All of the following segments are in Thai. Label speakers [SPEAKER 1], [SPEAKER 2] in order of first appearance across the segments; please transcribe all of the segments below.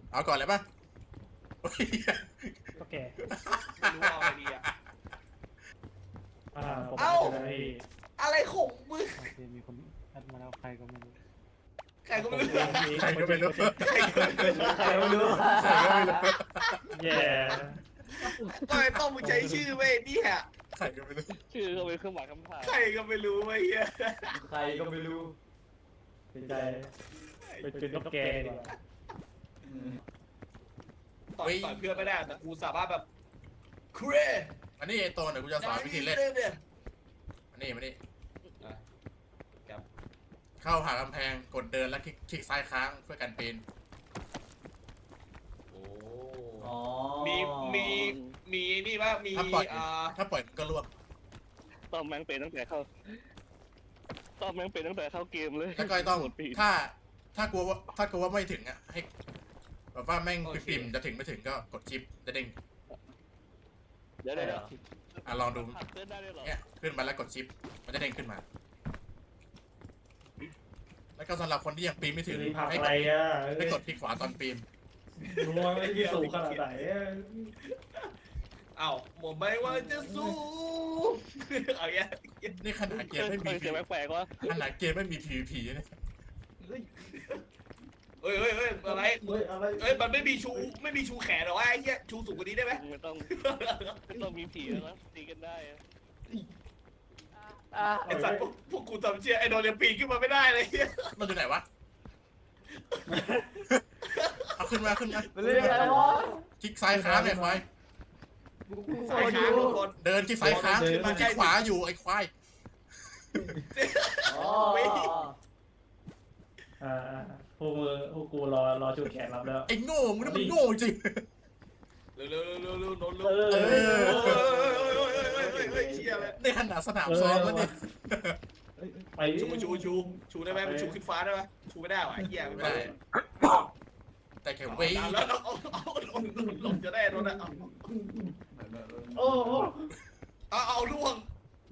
[SPEAKER 1] เอาก่อนเลยป่ะโอ้ย
[SPEAKER 2] โอเค
[SPEAKER 3] ไม่รู้เอาอะไรดีอ่ะ
[SPEAKER 2] ผม
[SPEAKER 3] เอ้า
[SPEAKER 2] จะได้
[SPEAKER 3] อะไรของมึง
[SPEAKER 2] โอเคมีคนแอดมาแล้วใครก็ไม่รู้
[SPEAKER 3] ใครก็ไม่รู้
[SPEAKER 1] ใครก็ไม่รู้
[SPEAKER 3] ใครก็ไม่รู้
[SPEAKER 2] ใครก็ไม่รู้
[SPEAKER 1] ใครก็ไม่รู้
[SPEAKER 2] แย่
[SPEAKER 3] ทำไมต้องมึงใช้ชื่อเว้ยเนี่ย
[SPEAKER 1] ใครก็ไม่รู้
[SPEAKER 4] ชื่อเขาเป็นเครื่องหมายคำถาม
[SPEAKER 3] ใครก็ไม่รู้เว้ยเฮีย
[SPEAKER 5] ใครก็ไม่รู้
[SPEAKER 2] เป็นใจเป็นตุ๊กแกดีกว่า
[SPEAKER 3] ต่อยเพื่อนไม่ได้แต่กูสามารถแบบเคร
[SPEAKER 1] อันนี้ไอ้ตัวเดี๋ยวกูจะสอนวิธีเล่นอันนี้มานี่เข้าหากำแพงกดเดินแล้วคลิกซ้ายค้างเพื่อกันปีน
[SPEAKER 3] โอ้
[SPEAKER 5] อ๋อ
[SPEAKER 3] มีนี่ว่ามี
[SPEAKER 1] ถ้าปล่อยถ้าปล่อยมันก็ล่วง
[SPEAKER 4] ต้อมแม่งเป็นตั้งแต่เข้าต้อมแม่งเป็นตั้งแต่เข้าเกมเลย
[SPEAKER 1] แล้วก็ต้อง
[SPEAKER 4] โหดปีด
[SPEAKER 1] ถ้ากลัวว่าไม่ถึงอ่ะให้แบบว่าแม่งปิ่มๆจะถึงไม่ถึงก็กดชิปจะเด้ง
[SPEAKER 4] เดี๋ยว
[SPEAKER 1] ลองดู
[SPEAKER 4] ผัดเต้นได้ด้วยเหรอ
[SPEAKER 1] เนี่ยขึ้นมาแล้วกดชิปมันจะเด้งขึ้นมา แล้วก็สำหรับคนที่ยังปีนไม่ถึง
[SPEAKER 2] มีผัก
[SPEAKER 1] ให้
[SPEAKER 2] อะไรอ่ะ
[SPEAKER 1] กดคลิกขวาตอนปีน
[SPEAKER 2] รู้ว่าไม่ที่สูงขนาดไหน
[SPEAKER 3] เอ้าผมไม่ว่าจะสู้เอาอย่าง
[SPEAKER 1] นี่ขนาดเกมไม่
[SPEAKER 4] เค
[SPEAKER 1] มี
[SPEAKER 4] ยเสียงแปลกๆว่า
[SPEAKER 1] ขนาดเกมไม่มี PVP เนี่ย
[SPEAKER 3] เฮ้ยอะไร
[SPEAKER 2] เฮ้ยอะไร
[SPEAKER 3] เอ้ยมันไม่มีชูแขนหรอวะไอ้เหี้ยชูสูงกว่านี้ได้ไหม
[SPEAKER 4] ไม่ต้องมีผีแล้วนะตีกันได้อะ
[SPEAKER 3] ไอ้สัตว์พวกกูจำเชื่อไอ้โดนเรียปีนขึ้นมาไม่ได้เลยเหี้ย
[SPEAKER 1] มันอยู่ไหนวะ เอาขึ้นมา
[SPEAKER 5] มันเรื่องอะไรวะ
[SPEAKER 1] คลิกซ้ายค้างเนี่ยควาย
[SPEAKER 3] สายค้างทุกคน
[SPEAKER 1] เดินคลิกซ้ายค้างขึ้นมาคลิกขวาอยู่ไอ้ควาย
[SPEAKER 5] อ๋อ
[SPEAKER 2] พวกกูรอชูแขนรับแล้ว
[SPEAKER 1] ไอ้โง่มึงนี่มันโง่จริง
[SPEAKER 3] เร็วโดน
[SPEAKER 2] เออ
[SPEAKER 3] เฮ้ยเชี่ยเลย
[SPEAKER 1] ในขนาดสนามซ้อมแล้วเนี่ย
[SPEAKER 2] ไป
[SPEAKER 3] ชูได้ไหมมันชูขึ้นฟ้าได้ไหมชูไม่ได้หรอไอ้เหี้ย
[SPEAKER 1] ไม่ได้ แต่แค่เว้ย
[SPEAKER 3] แล้วเอาลงจะได้โดนอ่ะ
[SPEAKER 2] โอ้โห
[SPEAKER 3] เอาล่วง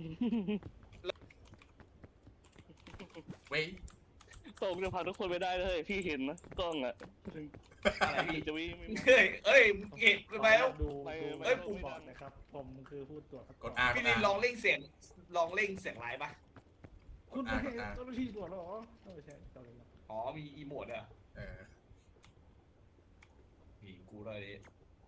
[SPEAKER 1] เว้ย
[SPEAKER 4] ตรงจะพาทุกคนไปได้เลยพี่เห็นนะกล้องอ่ะ
[SPEAKER 3] อะไรพี่
[SPEAKER 4] จะวิ่ง
[SPEAKER 3] เก็บไปแล้ว
[SPEAKER 2] ดู
[SPEAKER 3] เอ้ย
[SPEAKER 2] ปุ่มบอดนะครับ ผมคือผู้ตรวจ
[SPEAKER 1] กด R
[SPEAKER 3] พี่ลินลองเร่งเสียงไลฟ์ป่ะ
[SPEAKER 2] คุณไม่เห็นเจ้าหน้าที่ตรวจหรอไม่ใช่เจ้าหน้าที่
[SPEAKER 3] อ๋อมีอีโมดอ่ะ
[SPEAKER 1] เออ
[SPEAKER 3] มีกูเลยดิ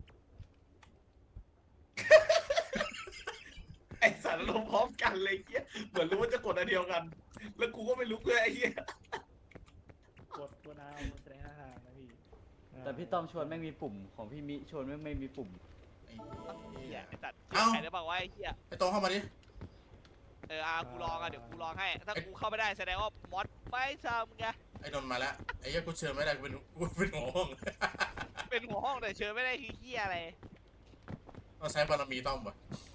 [SPEAKER 3] ไอสัตว์ลงพร้อมกันเลยเงี้ยเหมือนรู้ว่าจะกดอันเดียวกัน แล้วกูก็ไม่รู้เลยไอ้เหี้ย
[SPEAKER 2] กดเอาแสดงท่าทางนะพี่
[SPEAKER 5] แต่พี่ต้อมชวนแม่งมีปุ่มของพี่มิชวนแม่งไม่มีปุ่ม
[SPEAKER 1] ไอ้
[SPEAKER 6] เหี้
[SPEAKER 1] เหี้
[SPEAKER 6] ย
[SPEAKER 1] ย
[SPEAKER 6] ไอ้ตัด
[SPEAKER 1] เอ้า
[SPEAKER 6] ใครได้บอกว่าไอ้เหี้ย
[SPEAKER 1] ไอ้โตเข้ามาดิ
[SPEAKER 6] กูลองเดี๋ยวกูลองให้ ถ้ากูเข้าไม่ได้แสดงว่ามอสไม่ทำไง
[SPEAKER 1] ไอ้นนท์มาแล้วไอ้เหี้ยกูเชิญไม่ได้กูเป็นหัวห้อง
[SPEAKER 6] เป็นหัวห้องแต่เชิญไม่ได้คือเหี้ยอะไร
[SPEAKER 1] ต้องใช้บารมีต้อมวะ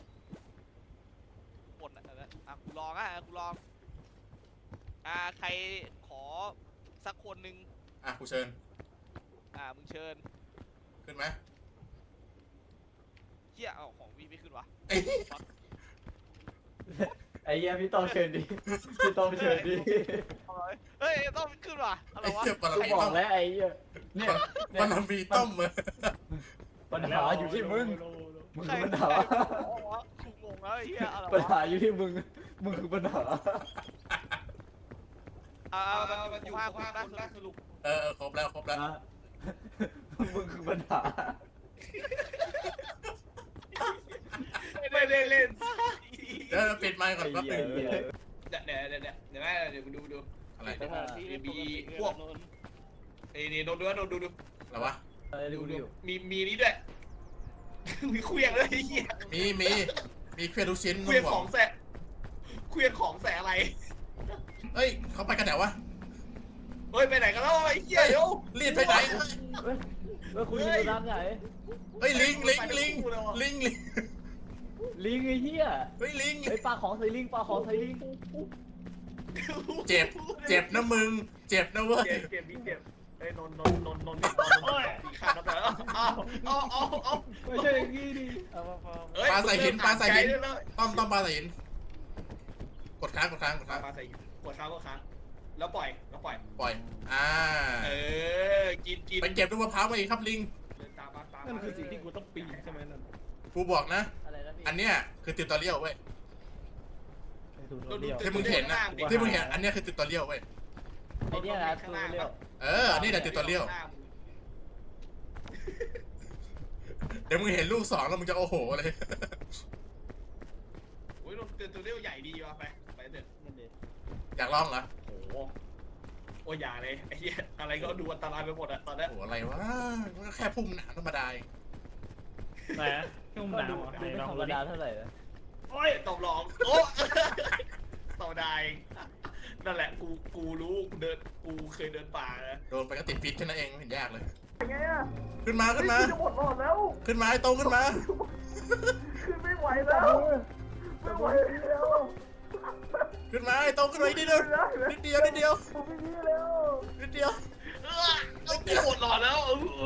[SPEAKER 6] หมดกูลองกูลองใครขอสักคนหนึ่ง
[SPEAKER 1] กูเชิญ
[SPEAKER 6] มึงเชิญ
[SPEAKER 1] ขึ้นไหม
[SPEAKER 6] เหี้ยเอาของวีไม่ขึ้นวะ
[SPEAKER 1] ไอ้
[SPEAKER 5] ไอ้เหี้ยพี่ต้อมเชิญดิพี่ต้อมเชิญดิ
[SPEAKER 6] เฮ้ยต้องขึ้นวะอะไร
[SPEAKER 1] ไอ้
[SPEAKER 6] วะ
[SPEAKER 1] เหี้ยบาร
[SPEAKER 5] กู
[SPEAKER 1] มี
[SPEAKER 5] บอ
[SPEAKER 1] ต้อก ม
[SPEAKER 5] แล้วไอ้เหี้ยเนี่ย
[SPEAKER 1] บารมีต้อมเลย
[SPEAKER 5] ปัญหาอยู่ที่มึงมึง
[SPEAKER 6] ใคร
[SPEAKER 5] คือปัญหา
[SPEAKER 6] กูงงแล้วไอ้เหี้ยอะไร
[SPEAKER 5] ปัญ
[SPEAKER 6] วะ
[SPEAKER 5] หาอยู่ที่มึงมึงคือปัญหา
[SPEAKER 3] มันอยู่
[SPEAKER 6] ห้า
[SPEAKER 3] ห้า
[SPEAKER 6] คน
[SPEAKER 3] คน
[SPEAKER 6] นะ
[SPEAKER 3] นะสรุป
[SPEAKER 1] ครบแล้ว
[SPEAKER 5] นะมึงคือปัญหา
[SPEAKER 3] ไม่ได้เล่น
[SPEAKER 1] เดี๋ยวปิดไมค์ก่อนแป๊บนึง
[SPEAKER 3] เดี๋ยวมึงดู
[SPEAKER 1] อะไร
[SPEAKER 4] สถานที่
[SPEAKER 3] ไอ้นี่โดนดู
[SPEAKER 1] อะไรวะ
[SPEAKER 5] อะไรดูดิ
[SPEAKER 3] มีนี้ด้วย มีเครื่องด้วยไอ้เหี้ย
[SPEAKER 1] มีเครื่องทุกชิ้น
[SPEAKER 3] เครื่องของแสอะไร
[SPEAKER 1] เฮ้ยเขาไปกันไหนวะ
[SPEAKER 3] เฮ้ยไปไหนกันแล้วไอ้เหี้ยเดี๋ยว
[SPEAKER 1] รีดไปไหน
[SPEAKER 5] เฮ้ยคุณอยู่ด้านไหน
[SPEAKER 1] เฮ้ยลิง
[SPEAKER 5] ลิงไอ้เหี้ย
[SPEAKER 1] เฮ้ยลิง
[SPEAKER 5] ไอ้ปลาของใส่ลิงปลาของใส่ลิง
[SPEAKER 1] เจ็บนะมึงเจ็บนะเว้ย
[SPEAKER 3] เก็บไอ้นนตีขาดแล้วแต่เอา
[SPEAKER 2] ไม่ใช่อย่างนี้ดิ
[SPEAKER 1] ปลาใส่หินต้อมปลาใส่หินกดค้าง
[SPEAKER 3] ปลาใส่กดค้างแล้วปล่อย
[SPEAKER 1] ปล่อย
[SPEAKER 3] เออ กิน
[SPEAKER 1] ไปเก็บลูกมะพร้าวมาอีกครับลิง
[SPEAKER 3] เดินตามมาตาม
[SPEAKER 2] นั่น
[SPEAKER 3] มา
[SPEAKER 2] คือสิ่งที่กูต้องปีนใช่ไหมนั่น
[SPEAKER 1] กูบอกนะ
[SPEAKER 5] อะไรนะพี่
[SPEAKER 1] อันเนี้ยคือติวตอเรียลเว้ย
[SPEAKER 2] ไอ้ทูโทเรียล
[SPEAKER 1] ที่มึงเห็นนะที่มึงเห็นอันเนี้ยคือติวตอเรียลเว้ย
[SPEAKER 5] ไอเนี่ยนะทูเรียล
[SPEAKER 1] อันนี้แหละติวตอเรียลเดี๋ยวมึงเห็นลูก2แล้วมึงจะโอ้โหเลย
[SPEAKER 3] โอ้ยตัวเรียวใหญ่ดีว่ะไปเถอะ
[SPEAKER 5] นั่นเอง
[SPEAKER 1] อยากลองเหรอ
[SPEAKER 3] โอ้โหโอ้ยอย่าเลยไอ้เหี้ยอะไรก็ดูอันตรายไปหมดอะตอนนี้
[SPEAKER 1] โอ้โหอะไรวะมันก็แค่พุ่มหนาธรรมดาเอง
[SPEAKER 2] ไหนที่มึง
[SPEAKER 5] ก็
[SPEAKER 2] ด่า
[SPEAKER 5] ดู
[SPEAKER 2] ไหน
[SPEAKER 5] ไม่
[SPEAKER 2] ลอง
[SPEAKER 5] ธรร
[SPEAKER 2] ดู
[SPEAKER 5] ม
[SPEAKER 2] ดิ
[SPEAKER 5] ดาเท่าไหร่นะ
[SPEAKER 3] โอ้ยต้องลองโอ้ต่อได้นั่นแหละกูรู้กูเคยเดินป่านะ
[SPEAKER 1] โดนไปก็ติดพิษแค่นั้นเองไม่เห็นยากเลย
[SPEAKER 7] ยังไงอะ
[SPEAKER 1] ขึ้นมา
[SPEAKER 7] จะหมดหลอดแล้ว
[SPEAKER 1] ขึ้นมาไอ้โตขึ้นมา
[SPEAKER 7] คือไม่ไหวแล้วไม่ไหวแล้ว
[SPEAKER 1] ขึ้นมาไอ้โตขึ้นมาอีกนิดเดียวนิดเดียว
[SPEAKER 7] ผมไม่ดีแล้ว
[SPEAKER 1] นิดเดียว
[SPEAKER 3] เอากูหมดหลอดแล้ว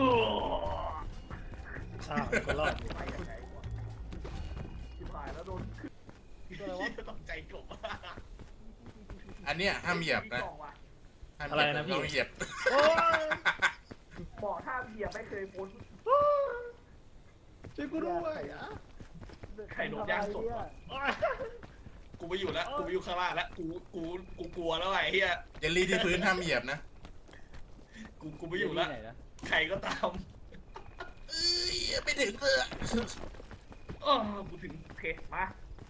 [SPEAKER 2] อ้าวก็รอด
[SPEAKER 7] ไปยังไงวะชิบหายแล้วโดน
[SPEAKER 3] ต้องใจกลบ
[SPEAKER 1] อันเนี้ยห้ามเหยียบนะห้ามเหยียบเราเหยียบ
[SPEAKER 2] โอ้ย
[SPEAKER 7] บอกห้ามเหยียบไม่เคยพ้น
[SPEAKER 2] ช่วยกูด้วยอ่ะ
[SPEAKER 3] ไข่นกย่างสดว่ะกูไปอยู่แล้วกูไปอยู่ข้างล่างแล้วกูกลัวแล้วไอ้เหี้ย
[SPEAKER 1] เยลลี่ที่พื้นห้ามเหยียบนะ
[SPEAKER 3] กูไปอยู่แล้ว
[SPEAKER 5] ที่ไหนนะ
[SPEAKER 3] ใครก็ตาม
[SPEAKER 1] ไม่ถึงเลย
[SPEAKER 3] กูถึง
[SPEAKER 7] โอเคมา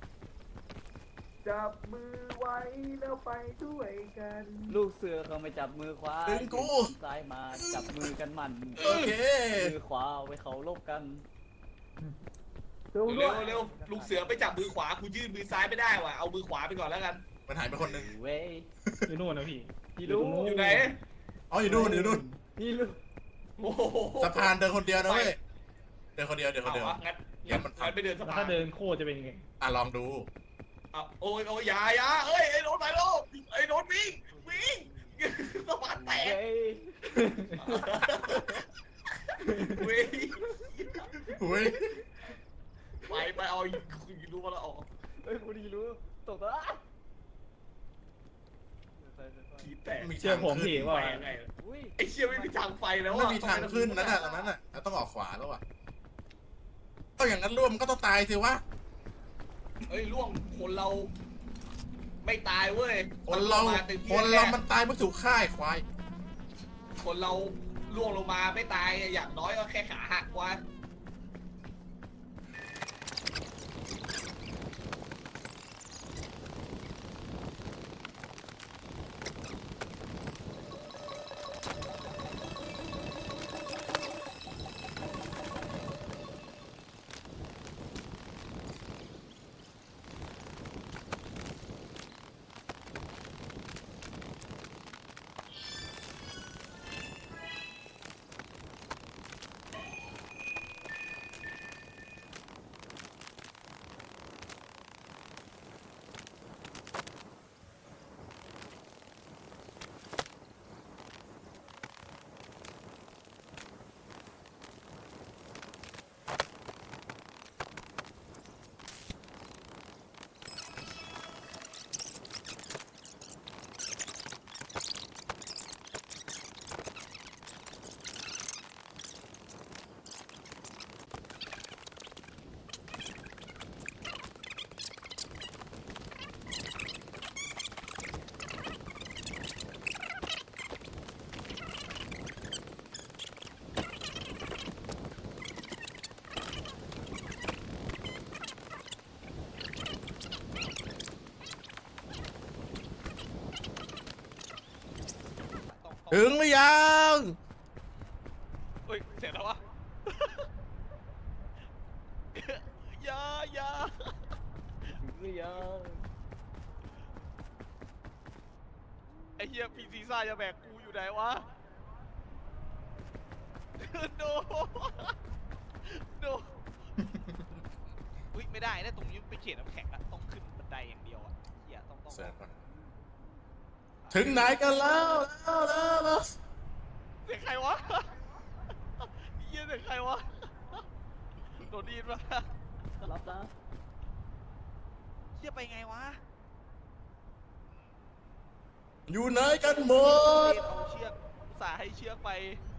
[SPEAKER 7] จับมือไว้แล้วไปด้วยกัน
[SPEAKER 5] ลูกเสือเขาไม่จับมือขวา
[SPEAKER 1] ดึงกู
[SPEAKER 5] ซ้ายมาจับมือกันมัน
[SPEAKER 1] โอเค
[SPEAKER 5] มือขวาไว้เขาลบกัน
[SPEAKER 7] เร็ว
[SPEAKER 3] เร็วเร็วลูกเสือไปจับมือขวากูยื่นมือซ้ายไม่ได้ว่ะเอามือขวาไปก่อนแล้วกัน
[SPEAKER 1] มันหายไปคนหนึ่ง
[SPEAKER 5] เว้ย
[SPEAKER 2] อยู่นู่นนะพี่
[SPEAKER 5] พี่รู้
[SPEAKER 3] อยู่ไหน
[SPEAKER 1] อ๋ออยู่นู่น
[SPEAKER 5] พี่รู้
[SPEAKER 3] โอ้โห
[SPEAKER 1] สะพานเดินคนเดียวนะเว้ยเดินคนเดียว
[SPEAKER 3] เอาวะงั้นไปเดินสะ
[SPEAKER 2] แล้ว
[SPEAKER 3] พา
[SPEAKER 2] ถ้าน เดินโคตรจะเป็นยังไง
[SPEAKER 1] ลองดู
[SPEAKER 3] โอ้ยอย่าเอ้ยไอ้โน้ตไปโลกไอ้โน้ตวิ่งสะพานแตก
[SPEAKER 5] เว้ย
[SPEAKER 3] วิ่ง
[SPEAKER 1] เฮ้ย
[SPEAKER 3] ไปเอารู้มาแล้วออก
[SPEAKER 5] เฮ้ยกูดีรู้ตกแล้ว
[SPEAKER 3] ขีแตก
[SPEAKER 2] เชื่อผมพี่ว่า
[SPEAKER 3] ไปยังไง
[SPEAKER 5] อุ้ย
[SPEAKER 3] ไอ้เชี่ยไม่มีทางไฟแล้ว
[SPEAKER 1] ไม่มีทางขึ้นนั่นน่ะตรงนั้นน่ะต้องออกขวาแล้วอ่ะต้องอย่างนั้นร่วมก็ต้องตายสิวะ
[SPEAKER 3] เอ้ยล่วงคนเรา ไม่ตายเว้ย
[SPEAKER 1] คนเรามันตายเพราะถูกฆ่าควาย
[SPEAKER 3] คนเราล่วงลงมาไม่ตายอย่างน้อยก็แค่ขาหักกว่า
[SPEAKER 1] ถึงหรือยัง
[SPEAKER 6] เฮ้ยเสร็จแล้ววะ อย่า
[SPEAKER 5] หรือยัง
[SPEAKER 6] ไอ้เหี้ยพีซีซ่าจะแบกกูอยู่ไหนวะ โนอุ้ยไม่ได้นะตรงนี้ไปเขียนน้ำแข็งอะต้องขึ้นบันไดอย่างเดียวอะเหี้ยต้อง
[SPEAKER 1] ถึงไหนกันแล้ว
[SPEAKER 6] เสียงใครวะ เหี้ยเสียงใครวะโดนดีนปะ
[SPEAKER 5] รับนะ
[SPEAKER 6] เหี้ยไปไงวะ
[SPEAKER 1] อยู่ไหนกันหมด
[SPEAKER 6] เอาเชือกอุตส่าห์ให้เชือกไป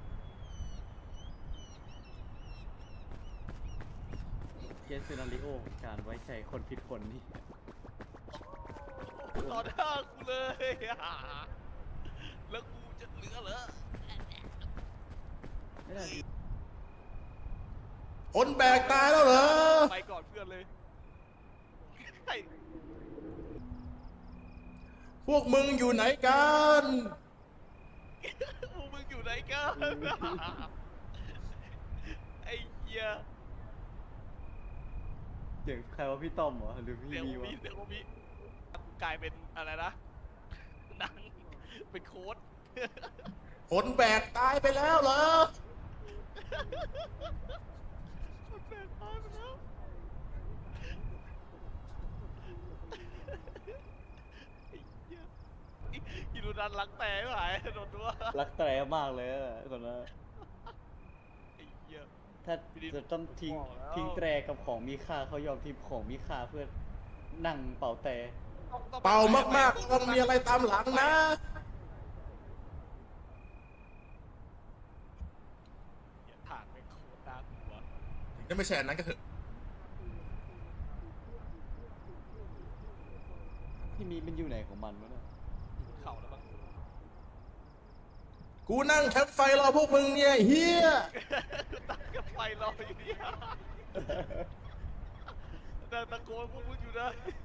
[SPEAKER 5] เคสซีนาริโอของการไว้ใจคนผิดคนนี่
[SPEAKER 6] ต่อหน้ากูเลย แล้วกูจะเหลือเหรอ
[SPEAKER 5] ไม่ได้ดิ
[SPEAKER 1] คนแบกตายแล้วเหรอ
[SPEAKER 6] ไปก่อนเพื่อนเลยไอ้
[SPEAKER 1] พวกมึงอยู่ไหนกัน
[SPEAKER 6] พวกมึงอยู่ไหนกัน ไอ้เหี้ย
[SPEAKER 5] เสียงใครว่าพี่ต้อมเหรอหรือพี่
[SPEAKER 6] เดี๋ยว
[SPEAKER 5] มีวะ
[SPEAKER 6] มีเดี๋ยวมีกูกลายเป็นอะไรนะหนังเป็นโค้ด
[SPEAKER 1] คนแบกตายไปแล้วเหรอ
[SPEAKER 6] มันแปลกตายไปแล้วไอ้เหี้ยอีดูดันรักแต่ไม่หายโดนตัว
[SPEAKER 5] รักแตรมากเลยอะคนนั้น
[SPEAKER 6] ไอ้เหี้ย
[SPEAKER 5] ถ้าจะต้องทิ้งแตรกับของมีค่าเขายอมทิ้งของมีค่าเพื่อนั่งเป่าแต่
[SPEAKER 1] เป่ามากๆต้องมีอะไรตามหลังนะ
[SPEAKER 6] ฐานเป็นโคตรน่ากลัว
[SPEAKER 1] ถึงจะไม่ใช่อันนั้นก็เถอะ
[SPEAKER 5] พี่มีมันอยู่ไหนของมันวะเนี่ย
[SPEAKER 6] เข่าแล้วมั้ง
[SPEAKER 1] กูนั่งแคมป์ไฟรอพวกมึงเนี่ยเฮีย
[SPEAKER 6] ตั้งกับไฟรออยู่ดีดังตะโกนพวกมึงอยู่นะ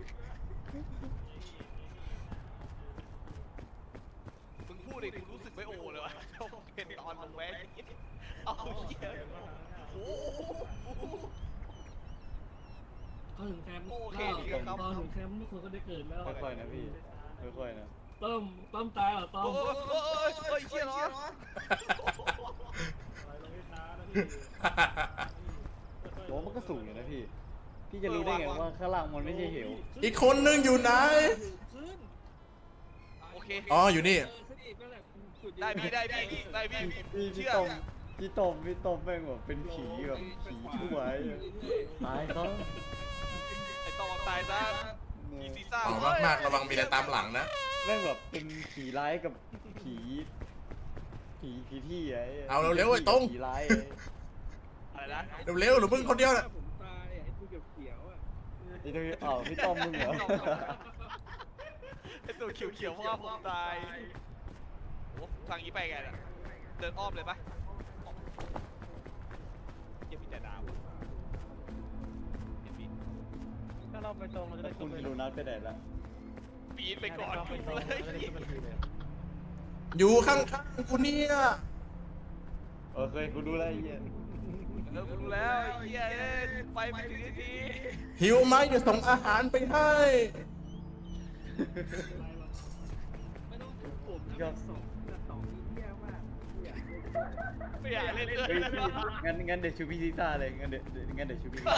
[SPEAKER 6] มึงพูดเองกูรู้สึกไม่โอ้เลยวะเป็นตอนลงแว้เอาเหี้ยโอ้โห
[SPEAKER 2] พอถึงแคมป์
[SPEAKER 6] โอเคดีครับ
[SPEAKER 2] พอถึงแคมป์ทุกคนก็ได้เกิดแล้ว
[SPEAKER 5] ค่อยๆนะพี่ค่อยๆนะ
[SPEAKER 2] ต้มตายเหรอต้ม
[SPEAKER 6] โอ้ยเชี่ยเหรอ
[SPEAKER 2] เราไม่ท้านะพี่
[SPEAKER 5] โอ้มันก็สูงอยู่นะพี่พี่จะรู้ได้ไงว่าข้างล่างมันไม่ใช่เหว
[SPEAKER 1] อีกคนนึงอยู่ไหน
[SPEAKER 2] ขึ้น
[SPEAKER 6] โอเค
[SPEAKER 1] อ๋ออยู่นี่
[SPEAKER 2] ขึ้นอีกนั่นแหละสุ
[SPEAKER 6] ได้พี่ได้พี่ได้พี่
[SPEAKER 5] พี่
[SPEAKER 6] เชื่อ
[SPEAKER 5] พี่ต้มแม่งแบบเป็นผีแบบผีชั่วไอ้ตายเขา
[SPEAKER 6] ไอ้ต้องตายซะผีซีซ่า
[SPEAKER 1] เป่ามากๆระวังมีอะไรตามหลังนะ
[SPEAKER 5] แม่งแบบเป็นผีร้ายกับผีที่ไอ้
[SPEAKER 1] เอาเร็วๆไอ้ตรง
[SPEAKER 5] ผีร้าย
[SPEAKER 6] อะไรนะ
[SPEAKER 1] เร็วๆหรือมึงคนเดียวน่ะ
[SPEAKER 2] ผมตายไอ้ตัวเขียวๆอ่ะ
[SPEAKER 5] ไอ้ตัวอ้าวพี่ต้อมมึงเหรอ
[SPEAKER 6] ไอ้ตัวเขียวๆเพราะว่าผมตายโอ้ทางนี้ไปไงน่ะเดินอ้อมเลยปะยังมีแต่ดาวเห็นพี่
[SPEAKER 2] ถ้าเราไปตรงเราจะได้
[SPEAKER 5] คุณดูนัดไปไหนละ
[SPEAKER 6] ปีนไปก่อนกูเลย
[SPEAKER 1] อยู่ข้างๆกูเนี่ย
[SPEAKER 5] โอเคกูดูแล้วไอ้เหี้ย
[SPEAKER 6] กูรู้แล้วไอ้เหี้ยเอ้ยไปไม่ถึงที
[SPEAKER 1] หิวไหมเดี๋ยวส่งอาหารไปให้
[SPEAKER 2] ไม่ต้องถึงผมนะสองนี้แย่มาก
[SPEAKER 6] ไม่อยากเล่นเลย
[SPEAKER 5] เฮ้ยพี่งั้นเดี๋ยวชูพี่ซีซ่าเลยงั้นเดี๋ยวชูพี่ซีซ่า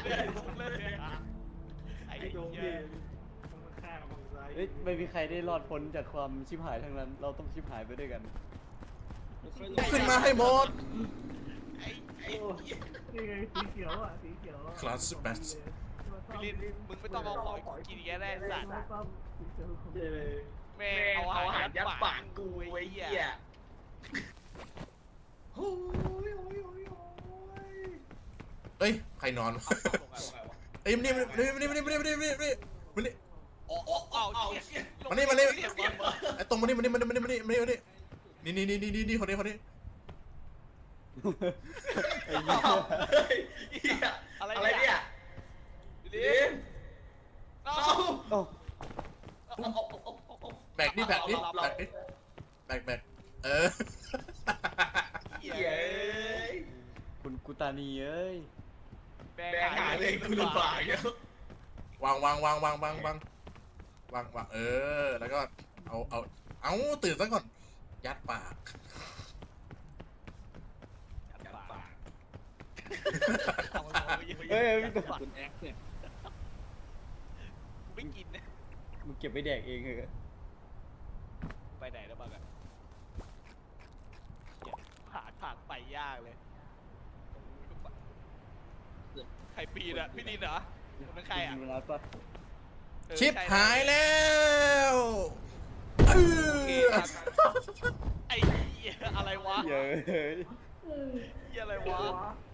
[SPEAKER 6] ไอ้
[SPEAKER 2] ไอ้โดม
[SPEAKER 6] เหี้ย
[SPEAKER 2] ดิมันฆ่ามันร้าย
[SPEAKER 5] เฮ้ยไม่มีใครได้รอดพ้นจากความชิบหายทั้งนั้น เราต้องชิบหายไปด้วยกัน
[SPEAKER 1] ขึ้นมาให้หมด
[SPEAKER 2] นี่ไงสีเขียวอ่ะสีเขียว
[SPEAKER 1] คลาสสิกแบท
[SPEAKER 6] พี่ลินมึงไม่ต้องเอาของกินแย่แน่สัตว์
[SPEAKER 2] เย้เลย
[SPEAKER 6] แม่เอาอาหารยัดปากกูไอ้เหี้ย
[SPEAKER 3] โอ้ยโอ้ยโอ้ยโอ้ย
[SPEAKER 1] เอ้ยใครนอนเอ้ยนี่นี่
[SPEAKER 6] โอ้โอ้เอาเหี้ย
[SPEAKER 1] มานี่ไอ้ตรงมานี่นี่คนนี้
[SPEAKER 5] ไอ้เหี้ย
[SPEAKER 3] เฮ้ยเหี้ย
[SPEAKER 6] อะไร
[SPEAKER 3] อะไร
[SPEAKER 6] เนี่
[SPEAKER 3] เนี่ย ย
[SPEAKER 6] ลิ
[SPEAKER 3] ลิ
[SPEAKER 6] น
[SPEAKER 3] น
[SPEAKER 6] เอา
[SPEAKER 5] เอ้า
[SPEAKER 1] แบกแบกเออ
[SPEAKER 6] เหี้ย
[SPEAKER 3] เย้ย
[SPEAKER 5] คุณกุตานีเอ้ย
[SPEAKER 3] แบกหาเลยกูลำบากเยอะ
[SPEAKER 1] วางเออแล้วก็เอาตื่นซะก่อนยัดปาก
[SPEAKER 6] ยัดปาก
[SPEAKER 5] เฮ้ยพี่ต้อม
[SPEAKER 2] คุณแอคเนี่ย
[SPEAKER 6] กูไม่กินนะ
[SPEAKER 5] มึงเก็บไปแดกเองเหอะ
[SPEAKER 6] ไปไหนแล้วบ้างอะหาทางไปยากเลยใครปีนอะพี่ดินเหรอคนนั้นใครอะ
[SPEAKER 5] ดูนัดปะ
[SPEAKER 6] เออ
[SPEAKER 1] ชิป
[SPEAKER 6] ใช่
[SPEAKER 1] หายแล้วเอ
[SPEAKER 6] โอเค
[SPEAKER 1] อ
[SPEAKER 6] ไอ้เหี้ยอะไรวะ
[SPEAKER 5] เยอะ
[SPEAKER 6] เหี้ยอะไรวะ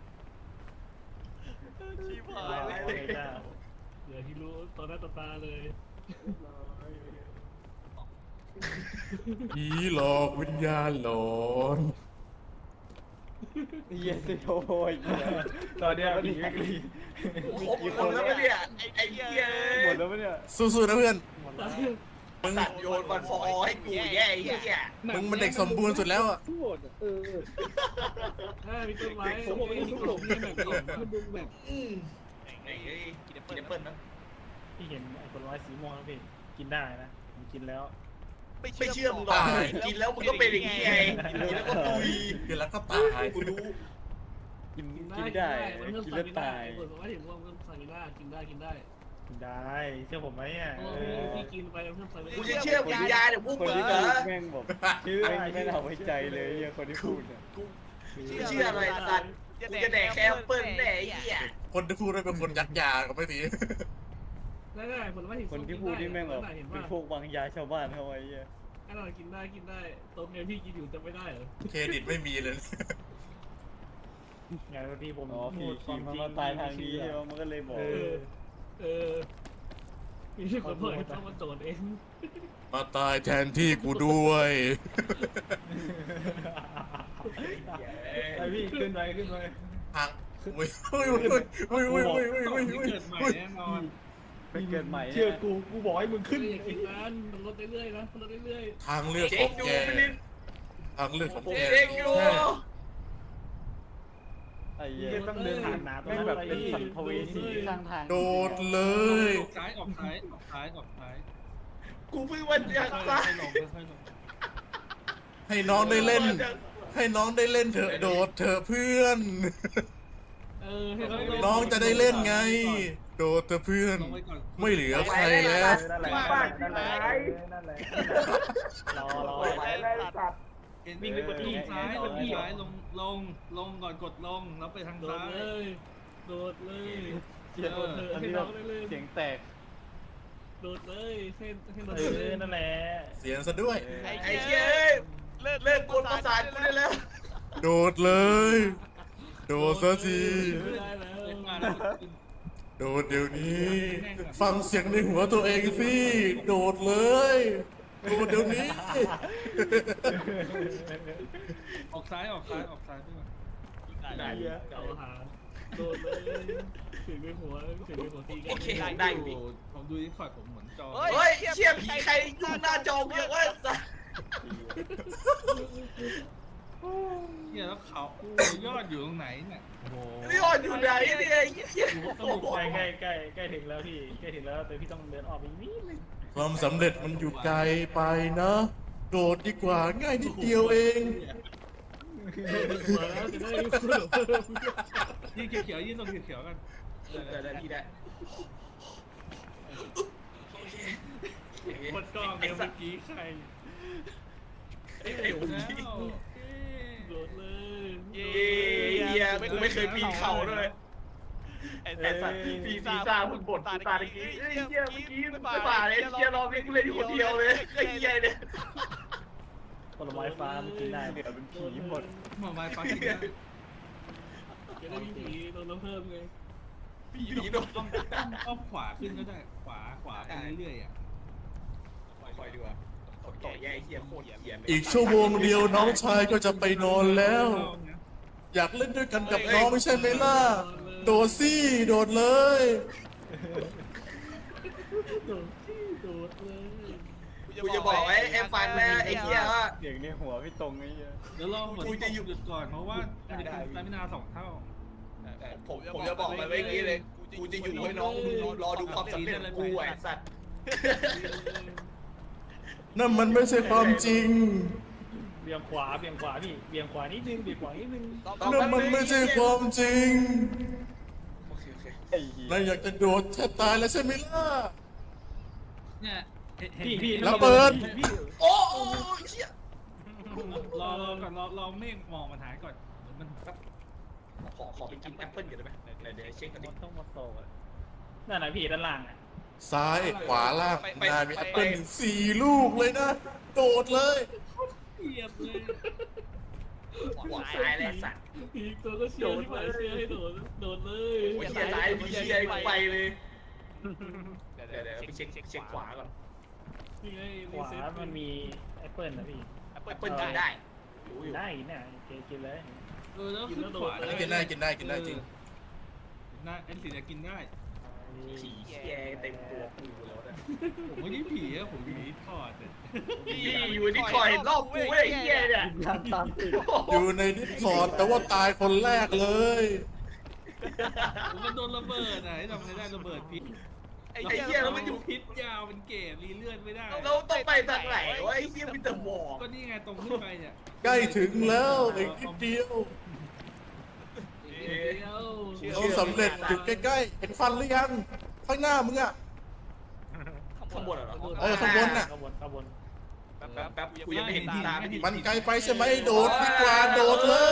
[SPEAKER 6] ชิบหายเลย
[SPEAKER 2] เดี๋ยวที่รู้ตอนหน้าต่อตาเลย
[SPEAKER 1] ผีหลอกวิญญาณหลอน
[SPEAKER 5] เหี้ยสิโอ้ยตอนเนี้ยผีไม่กรี
[SPEAKER 3] ครบคนแล้วปะเนี่ยไอ้เหี้ย
[SPEAKER 5] หมดแล้วปะเนี่ย
[SPEAKER 1] สู้ๆนะเพื่อนมึง
[SPEAKER 3] สัตว์โยนบอลฟอให้กูแย่ไอ้เหี้ย
[SPEAKER 1] มึงมันเด็กสมบูรณ์สุดแล้วอ่ะ
[SPEAKER 2] ถ้ามีต้นไม้มีขนมมีแบบนี้มันดูแบบ
[SPEAKER 3] ไอ้เฮ้ยกินแอปเปิ้ลนะ
[SPEAKER 2] ที่เห็นไอ้ผลไม้สีม่วงแล้วพี่กินได้นะผมกินแล้ว
[SPEAKER 3] ไม่เชื่อมึงหรอกกินแล้วมึงก็เป็นอย่างนี้ไงกินแล้วก็ตุย
[SPEAKER 1] คือแล้วก็ตาย
[SPEAKER 3] กูรู้
[SPEAKER 5] กินได้กินแล้วตาย
[SPEAKER 2] ผลไม้สีม่วงเพิ่มสตามิน่ากินได้
[SPEAKER 8] ได้เชื่อผมไหมอ่ะ
[SPEAKER 2] พี่กินไปเพิ่มสตามิ
[SPEAKER 3] กู
[SPEAKER 2] น่า
[SPEAKER 3] จะเชื่อวิญญาณเดี๋ยวพวก
[SPEAKER 5] คน
[SPEAKER 3] มึง
[SPEAKER 5] ที่
[SPEAKER 3] เหร
[SPEAKER 5] พู
[SPEAKER 3] อ
[SPEAKER 5] ดแม่งบอกไม่เอาไว้ใจเลยเหี้ยคนที่พูดเนี่ย
[SPEAKER 3] กูเชื่ออะไรสัตว์กูจะแดกแค่แอปเปิ้ลแน่ไอ้เหี้ย
[SPEAKER 1] คนที่พูดได้เป็นคนยัดยาก็ไม่ดี
[SPEAKER 2] ได้ผลไม้สี
[SPEAKER 5] คนที่พูดที่แม่งแบบเป็นพวกวางยาชาวบ้านเขาไว้เหี้ย
[SPEAKER 2] อร่อยกินได้ต้มเนี่ยพี่กินอยู่จะไม่ได้เหรอ
[SPEAKER 1] เครดิตไม่มีเลย
[SPEAKER 8] อย่างที่ผม
[SPEAKER 5] อ๋อผี
[SPEAKER 8] พูดความ
[SPEAKER 5] มัน
[SPEAKER 8] จริง
[SPEAKER 5] มาตายทางนี้ใช่ไหมมันก็เลยบอก
[SPEAKER 2] มีคนบอกให้ต้องมาโจทย์เอง
[SPEAKER 1] มาตายแทนที่กูด้วย
[SPEAKER 8] ไอพี่ขึ้นไป
[SPEAKER 1] ทางอุ้ยอุ้ยอุ้ยอุ้ยอุ้ยอุ้ยอุ้ยอุ้ยอุ้ย
[SPEAKER 8] เกิดใหม่แน่นอน
[SPEAKER 5] ไปเกิดใหม่
[SPEAKER 8] เชื่อกูบอกให้มึงขึ้น
[SPEAKER 2] อย่ากินนั้นมันลดเรื่อยๆนะมันลดเรื่อย
[SPEAKER 1] ทางเลือก
[SPEAKER 3] เจ๊
[SPEAKER 1] ของ
[SPEAKER 3] ดู
[SPEAKER 1] แก
[SPEAKER 3] ไม่ได้
[SPEAKER 1] ทางเลือกของ
[SPEAKER 3] ผม
[SPEAKER 1] แก
[SPEAKER 3] เองอยู่
[SPEAKER 1] ใช่
[SPEAKER 5] ไอ้เหี้ย
[SPEAKER 8] ต้องเดินผ่านน้ำ
[SPEAKER 5] แม่งแบบเป็นสัมภเวสีข้างทาง
[SPEAKER 1] โดดเลย
[SPEAKER 8] ออกซ้ายออกซ้าย
[SPEAKER 3] กูเพิ่งวันอยากตาย
[SPEAKER 8] ค่อยลง
[SPEAKER 1] ให้น้องได้เล่น ให้น้องได้เล่นเถอะโดดเถอะเพื่อน
[SPEAKER 2] ให้เรา
[SPEAKER 1] น้องจะได้เล่นไง โดดเถอะเพื่อน ไม่เหลือใครแล้ว
[SPEAKER 8] นั่นแหละนั่นแหละรอ
[SPEAKER 7] ไหวแล้วสัตว์
[SPEAKER 8] วิ่งไปกดที่ซ้ายลงก่อนกดลงแล้วไปทาง
[SPEAKER 2] โดด
[SPEAKER 8] ซ้าย
[SPEAKER 2] เลยโดดเลย
[SPEAKER 5] เหี้ยอันนี้แบบเสียงแตก
[SPEAKER 2] โดดเลยให้โดด
[SPEAKER 8] นั่นแหละ
[SPEAKER 1] เสียงซะด้วย
[SPEAKER 3] ไอ้เหี้ยเลิกกวนประสาทกูได้แล้ว
[SPEAKER 1] โดดเลย โดดซะที
[SPEAKER 2] ไม่ได้แล้ว
[SPEAKER 1] โดดเดี๋ยวนี้ ฟังเสียงในหัวตัวเองสิ โดดเลย โดดเดี๋ยวนี้
[SPEAKER 8] ออกซ้ายพี่มา
[SPEAKER 2] ได้เอาหาโดดเลยถึงไปหัวตีกัน
[SPEAKER 3] โอเคได้อยู่ดิ
[SPEAKER 8] ผมดูที่คอร์ดผมเหมือนจอ
[SPEAKER 3] เฮ้ยเชี่ยผีใครยุ่งหน้าจอเยอะวะสัตว์
[SPEAKER 8] เฮียแล้วเขายอดอยู่ตรงไหนเนี่ยโอ้โห
[SPEAKER 3] นี่อ่อนอยู่ไหนเนี่ยไอ้เหี้ย
[SPEAKER 8] ต้องบุกใกล้ถึงแล้วพี่ใกล้ถึงแล้วแต่พี่ต้องเดินออกอีกนิดนึง
[SPEAKER 1] ความสำเร็จมันอยู่ไกลไปนะ โดดดีกว่าง่ายนิดเดียวเอง
[SPEAKER 2] หัวแล้วจะได้เพิ่ม
[SPEAKER 8] ยืนเขียวยืนตรงเขียวกัน
[SPEAKER 3] ได้พี่ได้
[SPEAKER 8] กดกล้องเดี๋ยวเมื่อกี้ใคร
[SPEAKER 3] ไอ้ผม
[SPEAKER 8] แล้ว
[SPEAKER 2] โดดเลย
[SPEAKER 3] เหี้ยกูไม่เคยปีนเขาด้วย
[SPEAKER 6] ไอ้
[SPEAKER 3] ไอ้สัตว์ปีนซ่าพึ่งบ่นตาตะกี้เฮ้ยเหี้ยเมื่อกี้ไม่ป่าเลยเหี้ยรอวิ่งเลยอยู่คนเดียวเลยไอ้เหี้ยเนี่ย
[SPEAKER 5] ผลไม้ฟ้ามันกินได้เหลือเป็นผีหมด
[SPEAKER 8] หมอไม้ฟ้ากินได้
[SPEAKER 2] จะได้มีผีโดนน้ำเพิ่มไง
[SPEAKER 3] ผีโดน
[SPEAKER 8] ต้องขวาขึ้นก็ได้ขวาไปเรื่อยๆอ่ะ
[SPEAKER 3] คอยดีกว่าต่อแย่เหี้ยโคตรเหี้ย
[SPEAKER 1] อีกชั่วโมงเดียวน้องชายก็จะไปนอนแล้ว อยากเล่นด้วยกันกับน้องไม่ใช่ไหมล่ะ โดดสิโดดเลย
[SPEAKER 2] โดดเลย
[SPEAKER 3] กูจะบอกไว้ไอ้ฟันนะไอ้เหี้ยว่า
[SPEAKER 5] เสียงในหัวพี่ตรงไอ้เหี้ย
[SPEAKER 8] เดี๋ยวลองหยุดก่อนเพราะว่ามันจะเป็นสตามินา2 เท่า
[SPEAKER 3] ผมจะบอกไปเมื่อกี้เลยกูจะอยู่ให้น้องรอดูความสำเร็จของกูไอ้สัตว์
[SPEAKER 1] นั่นมันไม่ใช่ความจริง
[SPEAKER 8] เบี่ยงขวาพี่เบี่ยงขวานิดนึง
[SPEAKER 1] นั่นมันไม่ใช่ความจริง
[SPEAKER 3] โอเค
[SPEAKER 5] ไอ้เหี้ย
[SPEAKER 1] นายอยากจะโดดแทบตายแล้วใช่ไหมล่ะ
[SPEAKER 8] เนี่ยพี่
[SPEAKER 1] ระเบิด
[SPEAKER 3] โอ้เชี่ย
[SPEAKER 8] รอก่อนรอเมฆหมอกมันหายก่อนมันแป๊บ
[SPEAKER 3] ขอไปกินแอปเปิ้ลกันได้ไหมเดี๋ยวเช็คกันดิ
[SPEAKER 8] ต้องมาโตนั่นนะพี่ด้านล่างอ่ะ
[SPEAKER 1] ซ้ายขวาล่างนายมีแอปเปิล4 ลูกเลยนะ โดดเลย
[SPEAKER 8] เกลียดเลย
[SPEAKER 3] ขวาซ้ายเลยสัตว์
[SPEAKER 2] พีคตัวก็เชียร์ที่หมายเชียร์ให้โดดโดดเลย
[SPEAKER 3] โอ้ยเชียร์ซ้ายมีเชียร์ไปเลย
[SPEAKER 6] เดี๋ยว
[SPEAKER 3] เดี๋ยวไปเช็คขวาก่อน
[SPEAKER 2] นี่ไง
[SPEAKER 7] ข
[SPEAKER 2] รี
[SPEAKER 7] วา
[SPEAKER 2] เซ็ต
[SPEAKER 7] มันมีแอปเปิลนะพี่
[SPEAKER 6] แอป
[SPEAKER 3] แอ
[SPEAKER 6] เปิล
[SPEAKER 3] ปเปิลกินได้รู้อยู่
[SPEAKER 7] ได้เนี่ยกินเลย
[SPEAKER 8] แล้วขึ้นขวา
[SPEAKER 1] อันนี้กินได้กินได้กินได้จริง
[SPEAKER 8] น่าแอนสิจะกินได้
[SPEAKER 3] ผีเชียร์เต็มตัวกูแล้วนะ
[SPEAKER 8] ผมไม่ได้ผีอะผมอยู่ในทอดอะ
[SPEAKER 3] พี่อยู่ที่คอยรอบกูไอ้เหี้ยเนี่ย
[SPEAKER 7] ยามตามติด
[SPEAKER 1] อยู่ในดิสคอร์ดแต่ว่าตายคนแรกเลย
[SPEAKER 8] ผมก็โดนระเบิดอะให้ทำไงได้ระเบิดพิษ
[SPEAKER 6] ไอ้
[SPEAKER 3] ไอ้
[SPEAKER 6] เหี้
[SPEAKER 3] เหี้
[SPEAKER 6] ย
[SPEAKER 3] ย
[SPEAKER 6] แล้
[SPEAKER 3] แล้ว ว
[SPEAKER 6] มั
[SPEAKER 3] มัน น
[SPEAKER 6] อ
[SPEAKER 3] อยู่ ยู่
[SPEAKER 8] พิษยาวเป็นเกศรีเลื่อนไม่ได้
[SPEAKER 3] เราต้องไปทางไหนวะไอ้เหี้ยมีแต่หมอก
[SPEAKER 8] ก็นี่ไงตรงขึ้นไปเนี่ย
[SPEAKER 1] ใกล้ถึงแล้วอีกนิดเดียว เราสำเร็จอยู่ใกล้ๆเห็นฟันหรือยังข้างหน้ามึงอ่ะ
[SPEAKER 3] ข้างบนเหรอ
[SPEAKER 1] เออข้างบนน่ะ
[SPEAKER 7] ขบวน
[SPEAKER 3] แป๊บกูยังไม่เห็นตาไม่ดี
[SPEAKER 1] มันไกลไปใช่ไหมโดดดีกว่าโดดเลย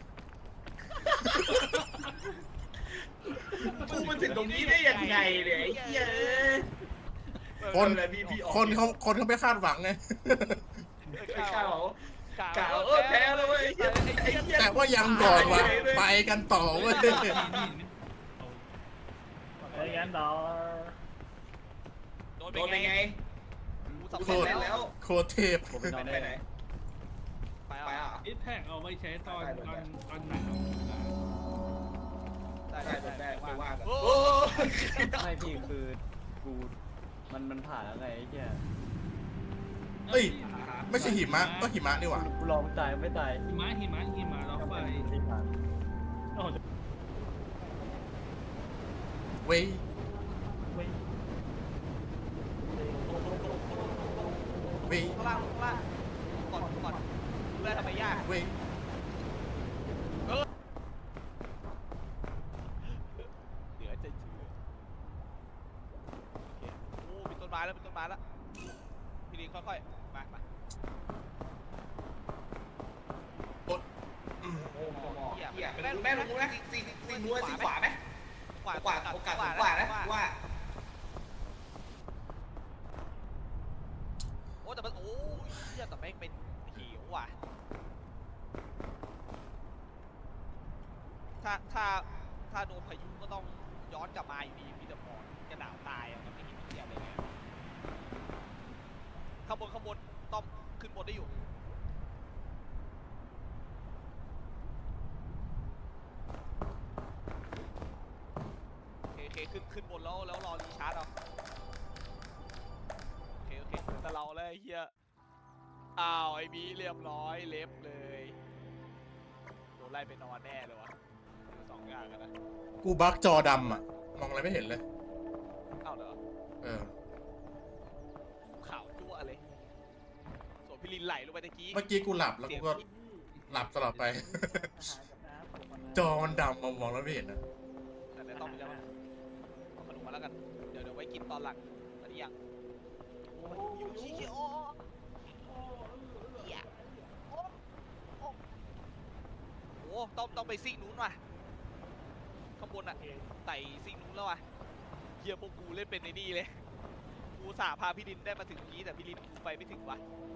[SPEAKER 3] กูมันถึงตรงนี้ได้ยังไงเนี่ยไอ้เหี้ย
[SPEAKER 1] คนเขาไม่คาดหวังไง
[SPEAKER 3] ไอ้ข้าวกล่าวแพ้แล้วเว้ยไอ้เหี้ย
[SPEAKER 1] แต่ว่ายังก่อนว่ะไปกันต่อเว้ย
[SPEAKER 7] ไอ้ยันดอ
[SPEAKER 6] โดน
[SPEAKER 3] โดน
[SPEAKER 6] ไป
[SPEAKER 3] ไป
[SPEAKER 6] ไง
[SPEAKER 3] ไง
[SPEAKER 6] กู
[SPEAKER 3] สำ
[SPEAKER 6] สำ
[SPEAKER 3] เร็
[SPEAKER 6] เร็
[SPEAKER 3] จ
[SPEAKER 6] จ
[SPEAKER 3] แล้
[SPEAKER 6] แล้ว ว
[SPEAKER 1] โคตรเทพ
[SPEAKER 5] ผมไปนอน
[SPEAKER 3] ไป
[SPEAKER 5] ได้
[SPEAKER 3] ไหน
[SPEAKER 6] ไป
[SPEAKER 3] ไป
[SPEAKER 6] อ่ะ
[SPEAKER 3] อ่ะ
[SPEAKER 8] ไอ้แท็กเอาไว้ใช้ตอนไหน
[SPEAKER 3] ได้ไปว่ากัน
[SPEAKER 6] โอ้
[SPEAKER 5] ไม่พี่คือกูมันผ่านแล้วไงไอ้เหี้ย
[SPEAKER 1] เอ้ยไม่ใช่หิมะก็หิมะนี่หว่า
[SPEAKER 5] กูลองตายไม่ตาย
[SPEAKER 8] หิมะล็อกไฟ
[SPEAKER 7] ที่ผ่านโอ้โห
[SPEAKER 1] เว้ย
[SPEAKER 7] ไม่
[SPEAKER 1] เว้ย
[SPEAKER 6] ข้างล่างก่อนเพื่อทำไมยาก
[SPEAKER 1] เว้ย
[SPEAKER 6] เหลือจะเชื่อโอ้มีต้นไม้แล้วพี่ลิงค่อยๆมา
[SPEAKER 1] อืม
[SPEAKER 3] โอ้โหเหี้ยแม่รู้นะสีนัวสีขวาไหมขวาโอกาสขวานะว่า
[SPEAKER 6] โอ้แต่มันโอ้ยเหี้ยแต่แม่งเป็นหิวว่ะถ้าโดนพายุก็ต้องย้อนกลับมาอยู่ดีมีแต่หมอกจะหนาวตายอ่ะมันไม่เห็นเหี้ยอะไรเลยข้างบนต้องขึ้นบนได้อยู่โอเคขึ้นบนแล้วรอรีชาร์จเอาโอเคแต่เราเลยเฮียอ้าวไอ้บีเรียบร้อยเล็บเลยโดนไล่ไปนอนแน่เลยวะสองอย่างกันนะ
[SPEAKER 1] กูบักจอดำอ่ะ มองอะไรไม่เห็นเลย
[SPEAKER 6] อ้าวเหรอ
[SPEAKER 1] เออ
[SPEAKER 6] ขาวจั่วเลยส่วนพี่ลินไหลลงไปตะกี้
[SPEAKER 1] เมื่อกี้กูหลับแล้วกูก็หลับตลอดไป จอมันดำมองแล้วไม่เห็นนะ
[SPEAKER 6] แต่เดี๋ยวต้องไปแล้วเอาขนมมาแล้วกันเดี๋ยวไว้กินตอนหลังตอนนี้ยังโอ้ยอยู่ชี้โอ้เหี้ยโอ้ต้องไปซิ่งนู้นว่ะข้างบนอะไต่ซิ่งนู้นแล้วว่ะเฮียพวกกูเล่นเป็นในนี่เลยกูสาพาพี่ลินได้มาถึงนี้แต่พี่ลินกูไปไม่ถึงว่ะ